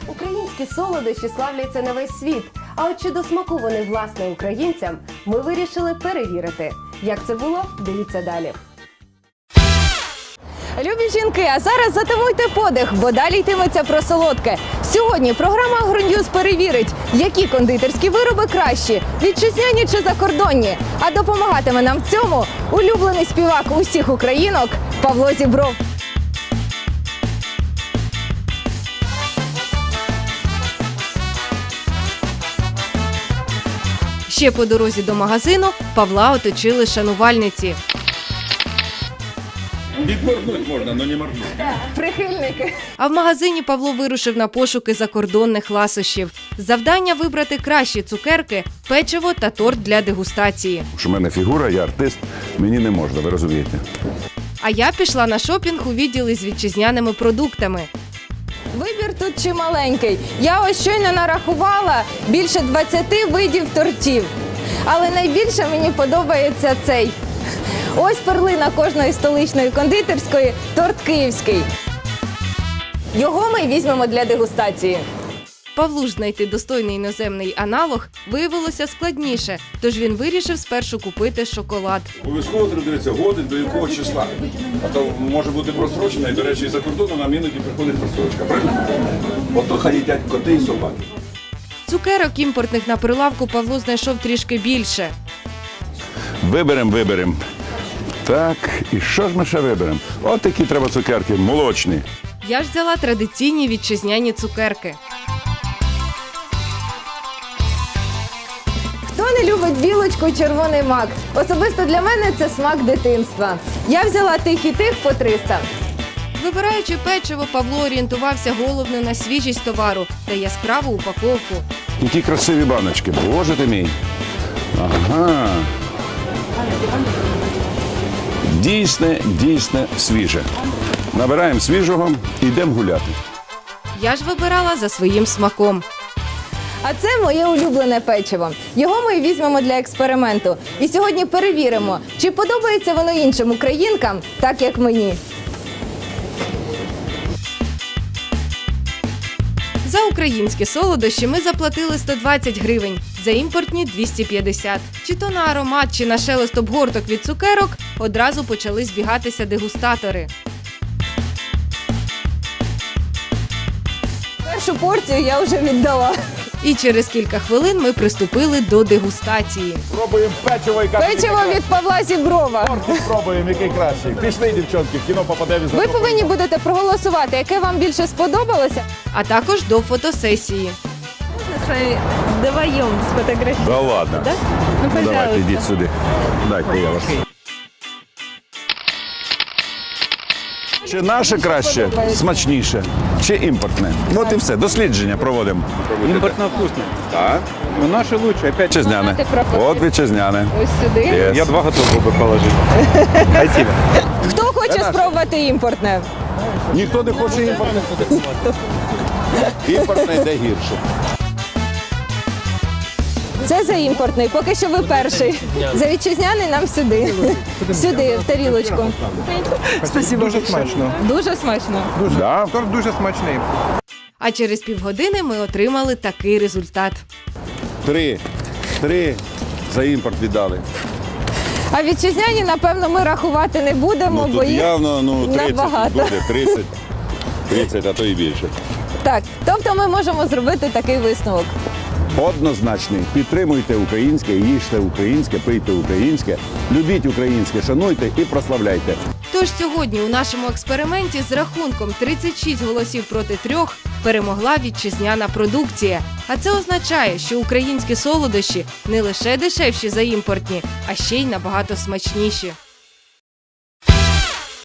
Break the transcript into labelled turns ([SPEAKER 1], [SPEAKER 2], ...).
[SPEAKER 1] Українські солодощі славляться на весь світ. А от чи до смаку вони власне українцям, ми вирішили перевірити. Як це було? Дивіться далі. Любі жінки, а зараз затамуйте подих, бо далі йтиметься про солодке. Сьогодні програма «Агроньюз» перевірить, які кондитерські вироби кращі – вітчизняні чи закордонні. А допомагатиме нам в цьому улюблений співак усіх українок Павло Зібров. Ще по дорозі до магазину Павла оточили шанувальниці.
[SPEAKER 2] Відморгнуть можна, але не моргнуть.
[SPEAKER 1] Прихильники.
[SPEAKER 3] А в магазині Павло вирушив на пошуки закордонних ласощів. Завдання – вибрати кращі цукерки, печиво та торт для дегустації.
[SPEAKER 2] Що в мене фігура, я артист, мені не можна, ви розумієте.
[SPEAKER 3] А я пішла на шопінг у відділи з вітчизняними продуктами.
[SPEAKER 1] Вибір тут чималенький. Я ось щойно нарахувала більше 20 видів тортів. Але найбільше мені подобається цей. Ось перлина кожної столичної кондитерської – торт київський. Його ми візьмемо для дегустації.
[SPEAKER 3] Павлу ж знайти достойний іноземний аналог виявилося складніше, тож він вирішив спершу купити шоколад.
[SPEAKER 2] Обов'язково треба дивитися годин, до якого числа. А то може бути просрочена, і, до речі, за кордоном нам іноді приходить просрочка. Правильно? Ото хай їдять коти і собаки.
[SPEAKER 3] Цукерок імпортних на прилавку Павло знайшов трішки більше.
[SPEAKER 2] Виберемо. Так, і що ж ми ще виберемо? От такі треба цукерки, молочні.
[SPEAKER 3] Я ж взяла традиційні вітчизняні цукерки.
[SPEAKER 1] Хто не любить білочку і червоний мак? Особисто для мене це смак дитинства. Я взяла тих і тих по 300.
[SPEAKER 3] Вибираючи печиво, Павло орієнтувався головне на свіжість товару та яскраву упаковку.
[SPEAKER 2] Які красиві баночки, боже ти мій. Ага. Дійсне свіже. Набираємо свіжого і йдемо гуляти.
[SPEAKER 3] Я ж вибирала за своїм смаком.
[SPEAKER 1] А це моє улюблене печиво. Його ми візьмемо для експерименту. І сьогодні перевіримо, чи подобається воно іншим українкам, так як мені.
[SPEAKER 3] За українські солодощі ми заплатили 120 гривень, за імпортні – 250. Чи то на аромат, чи на шелест обгорток від цукерок одразу почали збігатися дегустатори.
[SPEAKER 1] Першу порцію я вже віддала.
[SPEAKER 3] І через кілька хвилин ми приступили до дегустації.
[SPEAKER 4] Пробуємо печиво і
[SPEAKER 1] Печиво від Павла Зіброва.
[SPEAKER 4] торт спробуємо, який кращий. Пішли, дівчонки, в кіно попадемо.
[SPEAKER 1] Ви повинні будете проголосувати, яке вам більше сподобалося.
[SPEAKER 3] А також до фотосесії.
[SPEAKER 5] С вами вдвоем сфотографировать.
[SPEAKER 2] Да ладно.
[SPEAKER 5] Да? Ну,
[SPEAKER 2] Давайте,
[SPEAKER 5] пожалуйста.
[SPEAKER 2] йдіть сюди. Дайте я вас. Чи наше краще, смачніше, чи імпортне? От і все, дослідження проводимо.
[SPEAKER 6] Импортно вкусно.
[SPEAKER 2] Так,
[SPEAKER 6] Но наше лучше. Опять
[SPEAKER 2] вітчизняне. От вітчизняне.
[SPEAKER 1] Ось сюди.
[SPEAKER 2] Є.
[SPEAKER 6] я 2 готов был бы положить. Спасибо.
[SPEAKER 1] Хто хоче спробувати імпортне?
[SPEAKER 2] Ніхто не хоче імпортне. Імпортне йде гірше.
[SPEAKER 1] Це за імпортний, поки що ви перший. За вітчизняний нам сюди. Сюди, в тарілочку.
[SPEAKER 4] Дуже смачно.
[SPEAKER 1] Дуже смачно.
[SPEAKER 2] Да?
[SPEAKER 4] Торт дуже смачний.
[SPEAKER 3] А через півгодини ми отримали такий результат.
[SPEAKER 2] 3 за імпорт віддали.
[SPEAKER 1] А вітчизняні, напевно, ми рахувати не будемо,
[SPEAKER 2] Ну
[SPEAKER 1] бо
[SPEAKER 2] тут
[SPEAKER 1] їх
[SPEAKER 2] явно 30
[SPEAKER 1] набагато.
[SPEAKER 2] буде, 30, а то і більше.
[SPEAKER 1] Так, тобто ми можемо зробити такий висновок.
[SPEAKER 2] Однозначний. Підтримуйте українське, їжте українське, пийте українське, любіть українське, шануйте і прославляйте.
[SPEAKER 3] Тож сьогодні у нашому експерименті з рахунком 36 голосів проти 3 перемогла вітчизняна продукція. А це означає, що українські солодощі не лише дешевші за імпортні, а ще й набагато смачніші.